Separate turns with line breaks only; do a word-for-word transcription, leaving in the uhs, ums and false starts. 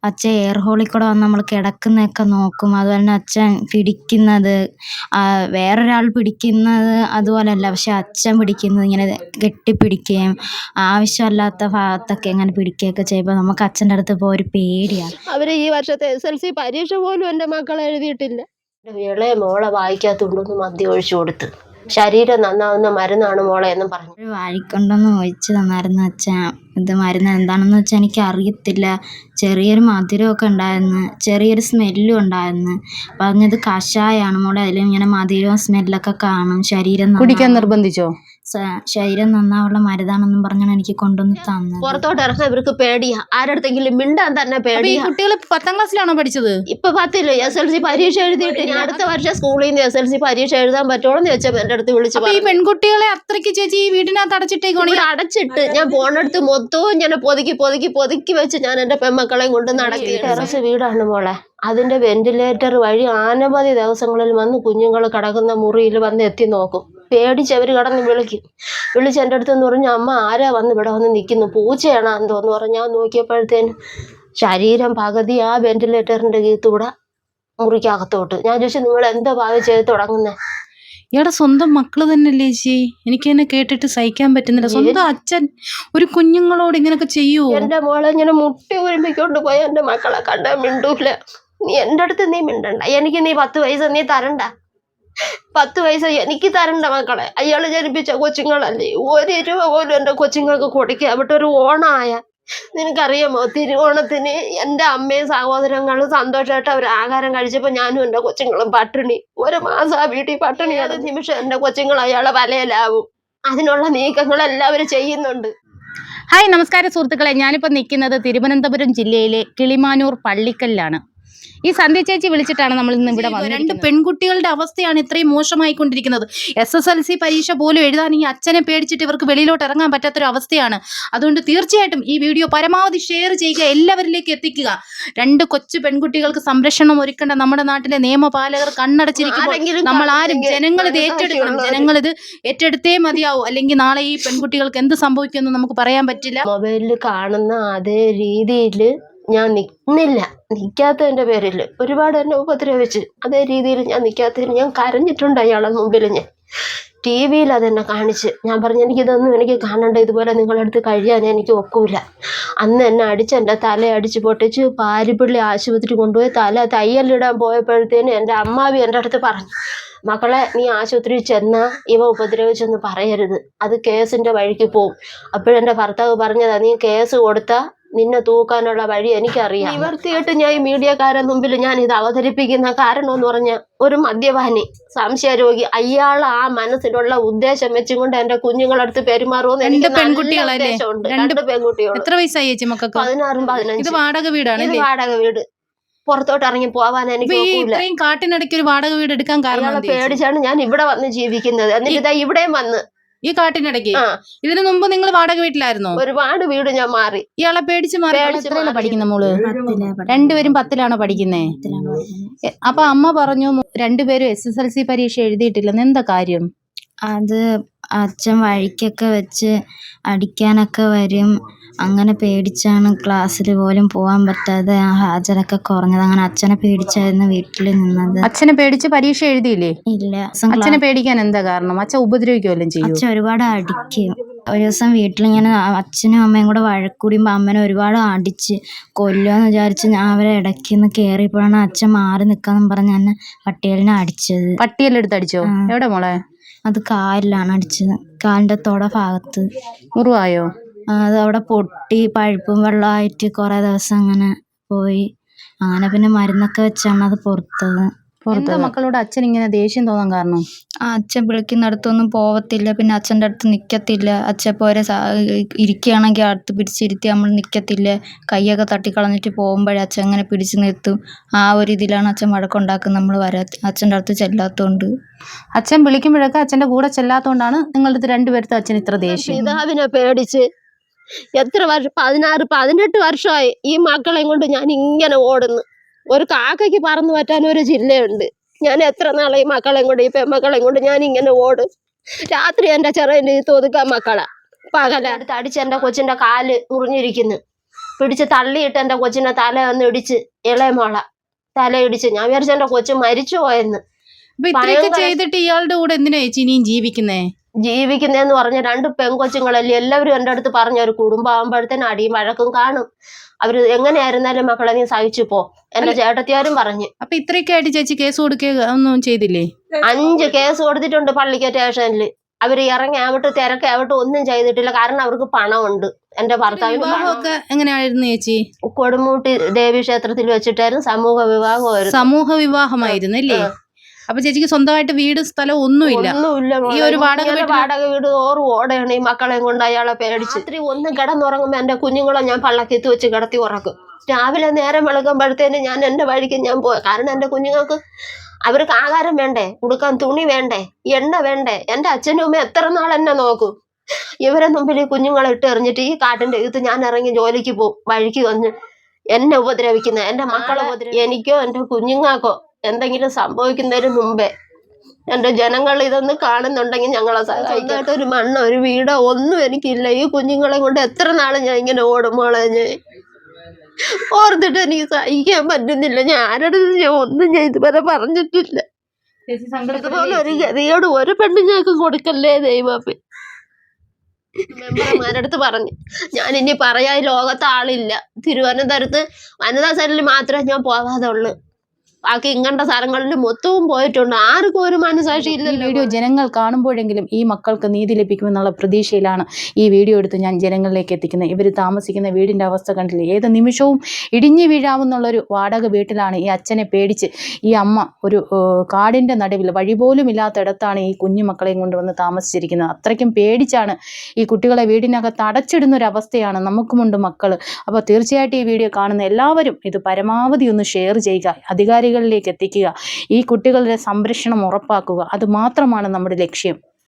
അച്ഛൻ എയർ ഹോളിൽ കൂടെ വന്ന് നമ്മൾ കിടക്കുന്നതൊക്കെ നോക്കും. അതുപോലെ തന്നെ അച്ഛൻ പിടിക്കുന്നത് വേറൊരാൾ പിടിക്കുന്നത് അതുപോലെയല്ല, പക്ഷെ അച്ഛൻ പിടിക്കുന്നത് ഇങ്ങനെ കെട്ടിപ്പിടിക്കുകയും ആവശ്യമില്ലാത്ത ഭാഗത്തൊക്കെ ഇങ്ങനെ പിടിക്കുകയൊക്കെ ചെയ്യുമ്പോൾ നമുക്ക് അച്ഛൻ്റെ അടുത്ത് പോയി ഒരു പേടിയാണ്.
അവർ ഈ വർഷത്തെ എസ് എൽ സി പരീക്ഷ പോലും എൻ്റെ മക്കൾ എഴുതിയിട്ടില്ല. ഇളയ മോളെ വായിക്കാത്തുകൊണ്ടൊന്ന് മദ്യം ഒഴിച്ചു കൊടുത്ത് ശരീരം നന്നാവുന്ന മരുന്നാണ് മോളെ എന്നും പറഞ്ഞു.
ഒരു വാഴിക്കൊണ്ടൊന്ന് ഒഴിച്ച് തന്നായിരുന്നു അച്ഛൻ. ഇത് മരുന്ന് എന്താണെന്ന് വെച്ചാൽ എനിക്ക് അറിയത്തില്ല. ചെറിയൊരു മധുരമൊക്കെ ഉണ്ടായിരുന്നു, ചെറിയൊരു സ്മെല്ലും ഉണ്ടായിരുന്നു. പറഞ്ഞത് കഷായാണ് മോളെ, അതിൽ ഇങ്ങനെ മധുരവും സ്മെല്ലൊക്കെ കാണും. ശരീരം
കുടിക്കാൻ നിർബന്ധിച്ചോ?
ശരീരം നന്നാവുള്ള മരുന്നാണെന്നും പറഞ്ഞാണ് എനിക്ക് കൊണ്ടുവന്ന് തന്നത്.
പുറത്തോട്ട് ഇറങ്ങാൻ ഇവർക്ക് പേടിയാ, ആരടുത്തെങ്കിലും മിണ്ടാൻ തന്നെ പേടിയാ.
കുട്ടികൾ പത്താം ക്ലാസ്സിലാണോ പഠിച്ചത്?
ഇപ്പൊ പത്തില്ല, എസ് എൽ സി പരീക്ഷ എഴുതിയിട്ട് ഞാൻ അടുത്ത വർഷം സ്കൂളിൽ നിന്ന് എസ് എൽ സി പരീക്ഷ എഴുതാൻ പറ്റുമോ എന്ന് ചോദിച്ചാൽ എന്റെ അടുത്ത് വിളിച്ചു.
ഈ പെൺകുട്ടികളെ അത്രയ്ക്ക് ചേച്ചി ഈ വീടിനകത്ത് അടച്ചിട്ടേക്കോണി?
അടച്ചിട്ട് ഞാൻ പോണടുത്ത് മൊത്തവും ഞാൻ പൊതുക്കി പൊതുക്കി പൊതുക്കി വെച്ച് ഞാൻ എന്റെ പെൺമക്കളെയും കൊണ്ട് നടത്തി. ടെറസ് വീടാണ് മോളെ, അതിന്റെ വെന്റിലേറ്റർ വഴി അനവധി ദിവസങ്ങളിൽ വന്ന് കുഞ്ഞുങ്ങൾ കിടക്കുന്ന മുറിയിൽ വന്ന് എത്തി നോക്കും. പേടിച്ചവർ കടന്ന് വിളിക്കും. വിളിച്ച് എൻ്റെ അടുത്തെന്ന് പറഞ്ഞു, അമ്മ ആരാ വന്ന് ഇവിടെ വന്ന് നിൽക്കുന്നു, പൂച്ചയാണോ എന്തോന്ന് പറഞ്ഞാൽ നോക്കിയപ്പോഴത്തേനും ശരീരം പകുതി ആ വെന്റിലേറ്ററിന്റെ കീത്തൂടെ മുറിക്കകത്തോട്ട്. ഞാൻ ചോദിച്ചു, നിങ്ങൾ എന്താ ഭാവം ചെയ്ത് തുടങ്ങുന്നേ?
ഇയാടെ സ്വന്തം മക്കള് തന്നെയല്ലേ ചേച്ചി? എനിക്ക് എന്നെ കേട്ടിട്ട് സഹിക്കാൻ പറ്റുന്നില്ല. സ്വന്തം അച്ഛൻ ഒരു കുഞ്ഞുങ്ങളോട് ഇങ്ങനൊക്കെ ചെയ്യൂ?
എന്റെ മോളെ ഇങ്ങനെ മുട്ടി ഒരുമിക്കൊണ്ട് പോയ എന്റെ മക്കളെ കണ്ടാ മിണ്ടൂല. നീ എൻ്റെ അടുത്ത് നീ മിണ്ടണ്ട, എനിക്ക് നീ പത്ത് പൈസ നീ തരണ്ട, പത്ത് പൈസ എനിക്ക് തരണ്ട മക്കളെ. അയാൾ ജനിപ്പിച്ച കൊച്ചുങ്ങളല്ലേ, ഒരു രൂപ പോലും എൻ്റെ കൊച്ചുങ്ങൾക്ക് കൊടുക്കുക. അവിടെ ഒരു ഓണായ നിനക്കറിയാമോ, തിരുവോണത്തിന് എൻ്റെ അമ്മയും സഹോദരങ്ങളും സന്തോഷമായിട്ട് അവർ ആഹാരം കഴിച്ചപ്പോൾ ഞാനും എൻ്റെ കൊച്ചുങ്ങളും പട്ടിണി. ഒരു മാസം ആ വീട്ടിൽ പട്ടിണി. അത് നിമിഷം എൻ്റെ കൊച്ചുങ്ങൾ അയാളെ വലയിലാവും. അതിനുള്ള നീക്കങ്ങൾ എല്ലാവരും ചെയ്യുന്നുണ്ട്.
ഹായ്, നമസ്കാരം സുഹൃത്തുക്കളെ. ഞാനിപ്പോൾ നിൽക്കുന്നത് തിരുവനന്തപുരം ജില്ലയിലെ കിളിമാനൂർ പള്ളിക്കലിലാണ്. ഈ സന്ധ്യ ചേച്ചി വിളിച്ചിട്ടാണ് നമ്മൾ ഇന്ന് ഇവിടെ വന്നത്. രണ്ട് പെൺകുട്ടികളുടെ അവസ്ഥയാണ് ഇത്രയും മോശമായിക്കൊണ്ടിരിക്കുന്നത്. എസ് എസ് എൽ സി പരീക്ഷ പോലും എഴുതാൻ ഈ അച്ഛനെ പേടിച്ചിട്ട് ഇവർക്ക് വെളിയിലോട്ട് ഇറങ്ങാൻ പറ്റാത്തൊരു അവസ്ഥയാണ്. അതുകൊണ്ട് തീർച്ചയായിട്ടും ഈ വീഡിയോ പരമാവധി ഷെയർ ചെയ്യുക, എല്ലാവരിലേക്ക് എത്തിക്കുക. രണ്ട് കൊച്ചു പെൺകുട്ടികൾക്ക് സംരക്ഷണം ഒരുക്കേണ്ട നമ്മുടെ നാട്ടിലെ നിയമപാലകർ കണ്ണടച്ചിരിക്കുമ്പോൾ നമ്മൾ ആരും ജനങ്ങൾ ഇത് ഏറ്റെടുക്കണം. ജനങ്ങൾ ഇത് ഏറ്റെടുത്തേ മതിയാവും, അല്ലെങ്കിൽ നാളെ ഈ പെൺകുട്ടികൾക്ക് എന്ത് സംഭവിക്കുമെന്ന് നമുക്ക് പറയാൻ പറ്റില്ല.
മൊബൈലിൽ കാണുന്ന അതേ രീതിയിൽ ഞാൻ നിൽക്കുന്നില്ല. നിൽക്കാത്തതിൻ്റെ പേരിൽ ഒരുപാട് എന്നെ ഉപദ്രവിച്ച് അതേ രീതിയിൽ ഞാൻ നിൽക്കാത്തതിന് ഞാൻ കരഞ്ഞിട്ടുണ്ട് അയാളെ മുമ്പിൽ. ഞാൻ ടി വിയിൽ അതെന്നെ കാണിച്ച് ഞാൻ പറഞ്ഞു, എനിക്കിതൊന്നും എനിക്ക് കാണണ്ട, ഇതുപോലെ നിങ്ങളടുത്ത് കഴിയാൻ എനിക്ക് ഒക്കില്ല. അന്ന് എന്നെ അടിച്ച് എൻ്റെ തല അടിച്ച് പൊട്ടിച്ച് പാരിപ്പള്ളി ആശുപത്രി കൊണ്ടുപോയി തല തയ്യലിടാൻ പോയപ്പോഴത്തേനും എൻ്റെ അമ്മാവി എൻ്റെ അടുത്ത് പറഞ്ഞു, മക്കളെ നീ ആശുപത്രിയിൽ ചെന്നാൽ ഇവ ഉപദ്രവിച്ചെന്ന് പറയരുത്, അത് കേസിൻ്റെ വഴിക്ക് പോവും. അപ്പോഴെൻ്റെ ഭർത്താവ് പറഞ്ഞതാ, നീ കേസ് കൊടുത്താൽ നിന്നെ തൂക്കാനുള്ള വഴി എനിക്കറിയാം. നിവർത്തിയിട്ട് ഞാൻ ഈ മീഡിയക്കാരെ മുമ്പിൽ ഞാൻ ഇത് അവതരിപ്പിക്കുന്ന കാരണം എന്ന് പറഞ്ഞാൽ, ഒരു മദ്യപാനി, സംശയരോഗി, അയാൾ ആ മനസ്സിലുള്ള ഉദ്ദേശം വെച്ചുകൊണ്ട് എന്റെ കുഞ്ഞുങ്ങളടുത്ത് പെരുമാറുമെന്ന് എനിക്ക് ഉദ്ദേശമുണ്ട്. രണ്ട് പെൺകുട്ടികൾ.
എത്ര വയസ്സായി ചേച്ചി മക്കൾക്ക്?
പതിനാറും പതിനഞ്ചും.
ഇത് വാടക വീടാണ്?
ഇത് വാടക വീട്. പുറത്തോട്ട് ഇറങ്ങി പോവാൻ എനിക്ക്
കാട്ടിനിടയ്ക്ക് ഒരു വാടക വീട് എടുക്കാൻ കാരണം
പേടിച്ചാണ് ഞാൻ ഇവിടെ വന്ന് ജീവിക്കുന്നത്. എന്നിട്ട് ഇതാ ഇവിടെയും വന്ന്
ഈ കാട്ടിനിടയ്ക്ക്. ഇതിനു മുമ്പ് നിങ്ങൾ വാടക വീട്ടിലായിരുന്നോ?
ഒരുപാട് വീട് ഞാൻ മാറി.
ഇയാളെ പേടിച്ച് മാറി. എത്രയാണ് പഠിക്കുന്ന മോള്? രണ്ടുപേരും പത്തിലാണോ പഠിക്കുന്നേ? അപ്പൊ അമ്മ പറഞ്ഞു രണ്ടുപേരും എസ് എസ് എൽ സി പരീക്ഷ എഴുതിയിട്ടില്ലെന്ന്. എന്താ കാര്യം?
അത് അച്ഛൻ വഴിക്കൊക്കെ വെച്ച് അടിക്കാനൊക്കെ വരും. അങ്ങനെ പേടിച്ചാണ് ക്ലാസ്സിൽ പോലും പോകാൻ പറ്റാതെ ഹാജരൊക്കെ കുറഞ്ഞത്. അങ്ങനെ അച്ഛനെ പേടിച്ചായിരുന്നു വീട്ടിൽ നിന്നത്.
അച്ഛനെ പേടിച്ച് പരീക്ഷ എഴുതിയില്ലേ?
ഇല്ല.
അച്ഛനെ പേടിക്കാൻ എന്താ കാരണം? അച്ഛൻ ഉപദ്രവിക്കുമല്ലോ ചെയ്യും?
അച്ഛൻ ഒരുപാട് അടിക്കും. ഒരു ദിവസം വീട്ടിലിങ്ങനെ അച്ഛനും അമ്മയും കൂടെ വഴക്കൂടിയുമ്പോൾ അമ്മനെ ഒരുപാട് അടിച്ച് കൊല്ലുമെന്ന് വിചാരിച്ച് ഞാൻ അവരെ ഇടയ്ക്ക് നിന്ന് കയറിയപ്പോഴാണ് അച്ഛൻ മാറി നിൽക്കാന്ന് പറഞ്ഞ് എന്നെ പട്ടിയലിനെ അടിച്ചത്.
പട്ടിയെല്ലാം അടിച്ചോ? എവിടെ മോളെ?
അത് കാലിലാണ് അടിച്ചത്, കാലിന്റെ തൊട ഭാഗത്ത്.
മുറിവായോ?
അത് അവിടെ പൊട്ടി പഴുപ്പും വെള്ളമായിട്ട് കുറെ ദിവസം അങ്ങനെ പോയി. അങ്ങനെ പിന്നെ മരുന്നൊക്കെ വെച്ചാണ് അത് പുറത്തത്.
പുറത്ത് മക്കളോട് അച്ഛൻ ഇങ്ങനെ ദേഷ്യം തോന്നാൻ കാരണം?
ആ അച്ഛൻ വിളിക്കുന്നിടത്തൊന്നും പോവത്തില്ല, പിന്നെ അച്ഛൻ്റെ അടുത്ത് നിൽക്കത്തില്ല. അച്ഛൻ പോരെ ഇരിക്കുകയാണെങ്കിൽ അടുത്ത് പിടിച്ചിരുത്തി നമ്മൾ നിൽക്കത്തില്ല. കൈയൊക്കെ തട്ടിക്കളഞ്ഞിട്ട് പോകുമ്പോഴേ അച്ഛൻ അങ്ങനെ പിടിച്ചു നിർത്തും. ആ ഒരു ഇതിലാണ് അച്ഛൻ വഴക്കുണ്ടാക്കുന്നത് നമ്മൾ വരാ അച്ഛൻ്റെ അടുത്ത് ചെല്ലാത്തതുകൊണ്ട്.
അച്ഛൻ വിളിക്കുമ്പോഴൊക്കെ അച്ഛൻ്റെ കൂടെ ചെല്ലാത്തതുകൊണ്ടാണ് നിങ്ങളുടെ അടുത്ത് രണ്ടുപേർത്തും അച്ഛൻ ഇത്ര ദേഷ്യം.
പിതാവിനെ പേടിച്ച് എത്ര വർഷം, പതിനാറ് പതിനെട്ട് വർഷമായി ഈ മക്കളെയും കൊണ്ട് ഞാൻ ഇങ്ങനെ ഓടുന്നു. ഒരു കാക്കയ്ക്ക് പറന്നു പറ്റാൻ ഒരു ജില്ലയുണ്ട്. ഞാൻ എത്ര നാളെ ഈ മക്കളെയും കൊണ്ട്, ഈ പെൺമക്കളെയും കൊണ്ട് ഞാൻ ഇങ്ങനെ ഓടും. രാത്രി എൻ്റെ ചെറിയ ഒതുക്കാൻ മക്കളാ, പകല അടുത്ത് അടിച്ച് എൻ്റെ കൊച്ചിൻ്റെ കാല് മുറിഞ്ഞിരിക്കുന്നു. പിടിച്ച് തള്ളിയിട്ട് എൻ്റെ കൊച്ചിനെ തല ഒന്ന് ഇടിച്ച്, ഇളയമോള തല ഇടിച്ച്. ഞാൻ വിചാരിച്ചു എൻ്റെ കൊച്ചു മരിച്ചു പോയെന്ന്.
അപ്പൊ ഇത്രയൊക്കെ
ഭയങ്കര-
ചെയ്തിട്ട് ഇയാളുടെ കൂടെ എന്തിനാ ചേച്ചി ഇനിയും ജീവിക്കുന്നേ?
ജീവിക്കുന്നതെന്ന് പറഞ്ഞ രണ്ട് പെൺകൊച്ചുങ്ങളല്ലേ, എല്ലാവരും എൻ്റെ അടുത്ത് പറഞ്ഞ ഒരു കുടുംബമാകുമ്പോഴത്തേനും അടിയും വഴക്കും കാണും. അവര് എങ്ങനെയായിരുന്നാലും മക്കളെ നീ സഹിച്ചു പോ, എന്റെ ചേട്ടത്തിയാരും പറഞ്ഞു.
അപ്പൊ ഇത്രയൊക്കെ ആയിട്ട് ചേച്ചി കേസ് കൊടുക്കുക ഒന്നും ചെയ്തില്ലേ?
അഞ്ച് കേസ് കൊടുത്തിട്ടുണ്ട് പള്ളിക്ക സ്റ്റേഷനിൽ. അവര് ഇറങ്ങി ആവട്ടെ തിരക്കെ ആവട്ടെ ഒന്നും ചെയ്തിട്ടില്ല. കാരണം അവർക്ക് പണമുണ്ട്. എന്റെ ഭർത്താവിന് പണം.
വിവാഹമൊക്കെ എങ്ങനെയായിരുന്നു ചേച്ചി?
കൊടുമൂട്ടി ദേവി ക്ഷേത്രത്തിൽ വെച്ചിട്ടായിരുന്നു സമൂഹ വിവാഹമായിരുന്നു.
സമൂഹ വിവാഹമായിരുന്നു അല്ലേ? അപ്പൊ ചേച്ചിക്ക് സ്വന്തമായിട്ട് വീട് സ്ഥലം ഒന്നുമില്ല.
ഒന്നുമില്ല.
ഈ ഒരു വാടക
ഇങ്ങനെ
വീട്ടില്-
വാടക വീട് ഓറ് ഓടയാണ്. ഈ മക്കളെയും കൊണ്ട് അയാളെ പേടിച്ച് രാത്രി ഒന്ന് കിടന്നുറങ്ങുമ്പോ എന്റെ കുഞ്ഞുങ്ങളെ ഞാൻ പള്ളക്കത്ത് വെച്ച് കിടത്തി ഉറക്കും. രാവിലെ നേരം വെളുക്കുമ്പോഴത്തേന് ഞാൻ എന്റെ വഴിക്ക് ഞാൻ പോയി. കാരണം എന്റെ കുഞ്ഞുങ്ങൾക്ക് അവർക്ക് ആഹാരം വേണ്ടേ, ഉടുക്കാൻ തുണി വേണ്ടേ, എണ്ണ വേണ്ടേ. എന്റെ അച്ഛനും അമ്മ എത്ര നാൾ എന്നെ നോക്കും. ഇവരെ മുമ്പിൽ ഈ കുഞ്ഞുങ്ങളെ ഇട്ട് എറിഞ്ഞിട്ട് ഈ കാട്ടിന്റെ അകത്ത് ഞാൻ ഇറങ്ങി ജോലിക്ക് പോകും. വഴിക്ക് വന്ന് എന്നെ ഉപദ്രവിക്കുന്ന എന്റെ മക്കളെ ഉപദ്രവി എനിക്കോ എന്റെ കുഞ്ഞുങ്ങൾക്കോ എന്തെങ്കിലും സംഭവിക്കുന്നതിന് മുമ്പേ എന്റെ ജനങ്ങൾ ഇതൊന്ന് കാണുന്നുണ്ടെങ്കിൽ ഞങ്ങളെ സഹായിക്കായിട്ട് ഒരു മണ്ണോ ഒരു വീടോ ഒന്നും എനിക്കില്ല. ഈ കുഞ്ഞുങ്ങളെ കൊണ്ട് എത്ര നാള് ഞാൻ ഇങ്ങനെ ഓടുമ്പോളെ ഞാൻ ഓർത്തിട്ട് എനിക്ക് സഹിക്കാൻ പറ്റുന്നില്ല. ഞാൻ ആരുടെ ഞാൻ ഒന്നും ഞാൻ ഇതുവരെ പറഞ്ഞിട്ടില്ല. ഇതുപോലെ ഒരു ഗതിയോട് ഒരു പെണ്ണുങ്ങൾക്ക് കൊടുക്കല്ലേ ദൈവമേ. മെമ്പർമാരടുത്ത് പറഞ്ഞു ഞാൻ ഇനി പറയാൻ ലോകത്ത് ആളില്ല. തിരുവനന്തപുരത്ത് വനിതാ സെല്ലിൽ മാത്രമേ ഞാൻ പോകാതെ ഉള്ളു. ബാക്കി ഇങ്ങനത്തെ സ്ഥലങ്ങളിൽ മൊത്തവും പോയിട്ടുണ്ട്. ആർക്കും ഒരു മനസാക്ഷി
ഈ
ഇല്ലല്ലോ.
വീഡിയോ ജനങ്ങൾ കാണുമ്പോഴെങ്കിലും ഈ മക്കൾക്ക് നീതി ലഭിക്കുമെന്നുള്ള പ്രതീക്ഷയിലാണ് ഈ വീഡിയോ എടുത്ത് ഞാൻ ജനങ്ങളിലേക്ക് എത്തിക്കുന്നത്. ഇവർ താമസിക്കുന്ന വീടിൻ്റെ അവസ്ഥ കണ്ടില്ലേ? ഏത് നിമിഷവും ഇടിഞ്ഞു വീഴാവുന്നുള്ളൊരു വാടക വീട്ടിലാണ് ഈ അച്ഛനെ പേടിച്ച് ഈ അമ്മ ഒരു കാടിൻ്റെ നടുവിൽ വഴി പോലും ഇല്ലാത്തിടത്താണ് ഈ കുഞ്ഞു മക്കളെയും കൊണ്ടുവന്ന് താമസിച്ചിരിക്കുന്നത്. അത്രയ്ക്കും പേടിച്ചാണ് ഈ കുട്ടികളെ വീടിനകത്ത് അടച്ചിടുന്ന ഒരു അവസ്ഥയാണ്. നമുക്കുമുണ്ട് മക്കൾ. അപ്പോൾ തീർച്ചയായിട്ടും ഈ വീഡിയോ കാണുന്ന എല്ലാവരും ഇത് പരമാവധി ഒന്ന് ഷെയർ ചെയ്യുക, അധികാരികളിലേക്ക് എത്തിക്കുക, ഈ കുട്ടികളുടെ സംരക്ഷണം ഉറപ്പാക്കുക. അത് മാത്രമാണ് നമ്മുടെ ലക്ഷ്യം.